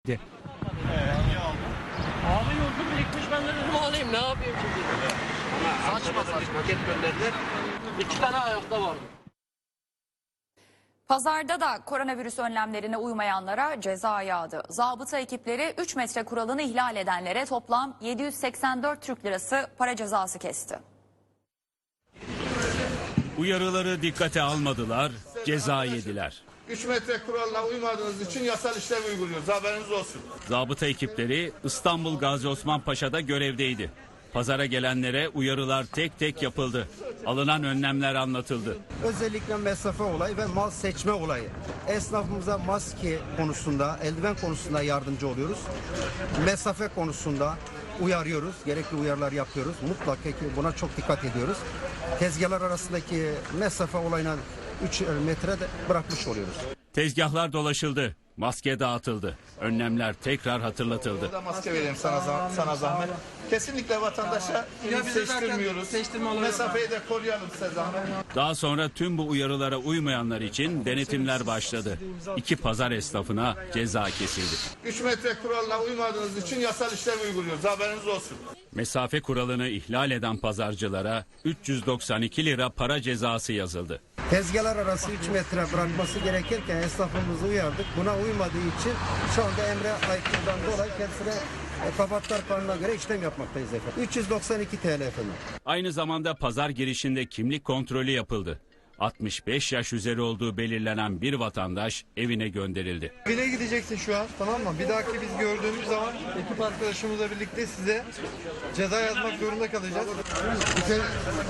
Abi yolcu birikmiş, ben de dedim alayım, ne yapayım şimdi? Saçma paket gönderdiler. 2 tane ayakta vardı. Pazarda da koronavirüs önlemlerine uymayanlara ceza yağdı. Zabıta ekipleri 3 metre kuralını ihlal edenlere toplam 784 Türk lirası para cezası kesti. Uyarıları dikkate almadılar, ceza yediler. 3 metre kuralına uymadığınız için yasal işlem uyguluyoruz. Haberiniz olsun. Zabıta ekipleri İstanbul Gazi Osman Paşa'da görevdeydi. Pazara gelenlere uyarılar tek tek yapıldı. Alınan önlemler anlatıldı. Özellikle mesafe olayı ve mal seçme olayı. Esnafımıza maske konusunda, eldiven konusunda yardımcı oluyoruz. Mesafe konusunda uyarıyoruz. Gerekli uyarılar yapıyoruz. Mutlaka ki buna çok dikkat ediyoruz. Tezgahlar arasındaki mesafe olayına 3 metre de bırakmış oluyoruz. Tezgahlar dolaşıldı. Maske dağıtıldı. Önlemler tekrar hatırlatıldı. Burada maske vereyim sana zahmet. Kesinlikle vatandaşa seçtirmiyoruz. Mesafeyi de koruyalım size zahmet. Daha sonra tüm bu uyarılara uymayanlar için denetimler başladı. 2 pazar esnafına ceza kesildi. 3 metre kuralına uymadığınız için yasal işlem uyguluyoruz. Haberiniz olsun. Mesafe kuralını ihlal eden pazarcılara 392 lira para cezası yazıldı. Tezgahlar arası 3 metre bırakması gerekirken esnafımızı uyardık. Buna uymadığı için şu anda emre aykırıdan dolayı kendisine Kabatalar Kanunu'na göre işlem yapmaktayız efendim. 392 TL efendim. Aynı zamanda pazar girişinde kimlik kontrolü yapıldı. 65 yaş üzeri olduğu belirlenen bir vatandaş evine gönderildi. Evine gideceksin şu an, tamam mı? Bir dahaki biz gördüğümüz zaman ekip arkadaşımızla birlikte size ceza yazmak zorunda kalacağız.